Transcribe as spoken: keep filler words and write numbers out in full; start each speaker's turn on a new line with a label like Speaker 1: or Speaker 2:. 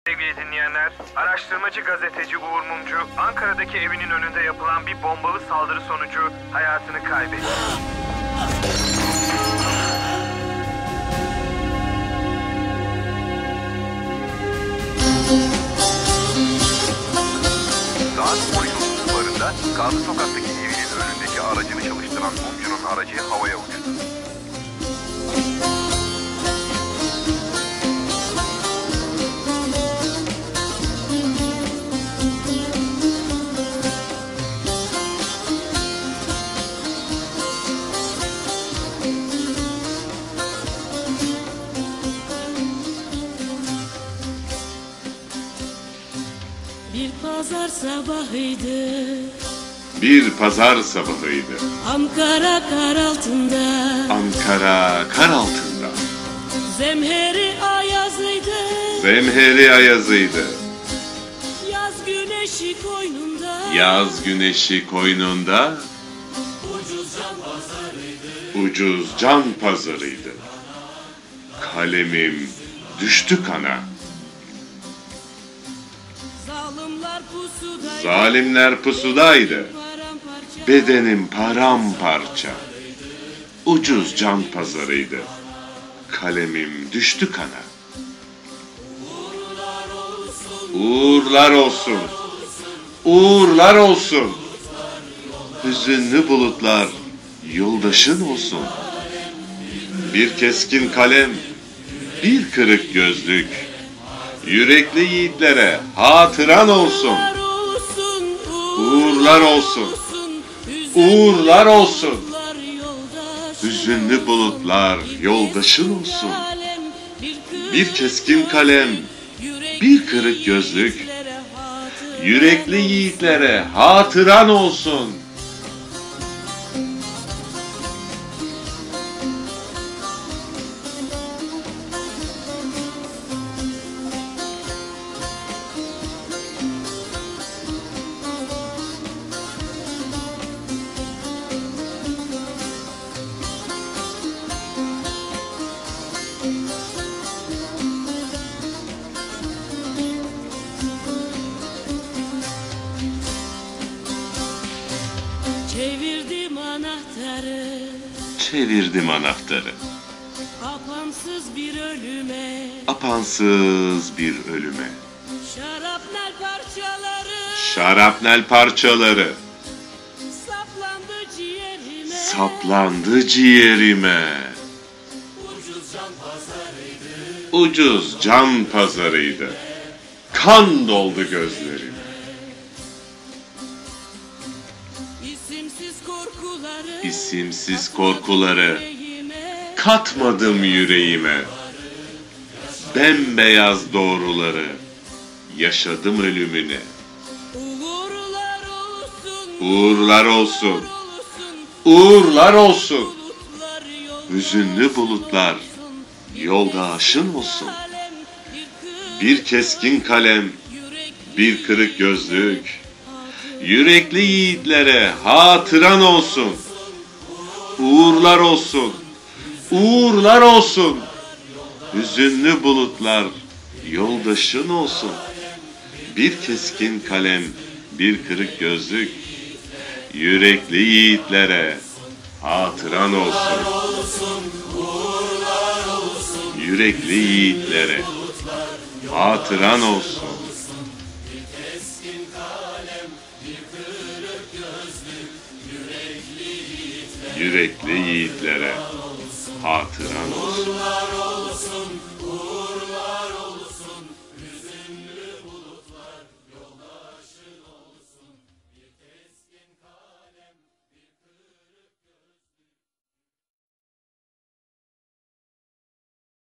Speaker 1: Sevgili dinleyenler, araştırmacı gazeteci Uğur Mumcu, Ankara'daki evinin önünde yapılan bir bombalı saldırı sonucu hayatını kaybetti. Saat on otuz sularında Gazi Sokak'taki evinin önündeki aracını çalıştıran Mumcu'nun aracı havaya uçtu.
Speaker 2: Bir pazar sabahıydı.
Speaker 3: Bir pazar sabahıydı.
Speaker 2: Ankara kar altında.
Speaker 3: Ankara kar altında.
Speaker 2: Zemheri ayazıydı.
Speaker 3: Zemheri ayazıydı.
Speaker 2: Yaz güneşi koynunda.
Speaker 3: Yaz güneşi koynunda.
Speaker 2: Ucuz can pazarıydı.
Speaker 3: Ucuz can pazarıydı. Kalemim düştü kana.
Speaker 2: Zalimler pusudaydı.
Speaker 3: Zalimler pusudaydı. Bedenim paramparça. Ucuz can pazarıydı. Kalemim düştü kana. Uğurlar olsun. Uğurlar olsun. Hüzünlü bulutlar yoldaşın olsun. Bir keskin kalem, bir kırık gözlük. Yürekli yiğitlere hatıran olsun. Uğurlar olsun. Uğurlar olsun. Hüzünlü bulutlar yoldaşın olsun. Bir keskin kalem, bir kırık gözlük. Yürekli yiğitlere hatıran olsun.
Speaker 2: Çevirdim anahtarı.
Speaker 3: Çevirdim anahtarı.
Speaker 2: Apansız bir ölüme.
Speaker 3: Apansız bir ölüme.
Speaker 2: Şarapnel parçaları.
Speaker 3: Şarapnel parçaları.
Speaker 2: Saplandı ciğerime.
Speaker 3: Saplandı ciğerime.
Speaker 2: Ucuz can pazarıydı.
Speaker 3: Ucuz can pazarıydı. Kan doldu gözlerime.
Speaker 2: İsimsiz korkuları.
Speaker 3: İsimsiz korkuları
Speaker 2: yüreğime.
Speaker 3: katmadım yüreğime. Bembeyaz doğruları yaşadım ölümüne.
Speaker 2: Uğurlar olsun.
Speaker 3: Uğurlar olsun.
Speaker 2: olsun.
Speaker 3: Uğurlar olsun.
Speaker 2: Bulutlar yolda
Speaker 3: Hüzünlü bulutlar yoldaşın olsun. Bir keskin kalem, bir kırık gözlük. Yürekli yiğitlere hatıran olsun. Uğurlar olsun. Uğurlar olsun. Hüzünlü bulutlar yoldaşın olsun. Bir keskin kalem, bir kırık gözlük. Yürekli yiğitlere hatıran olsun. Yürekli yiğitlere hatıran olsun. Yürekli yiğitlere hatıran olsun.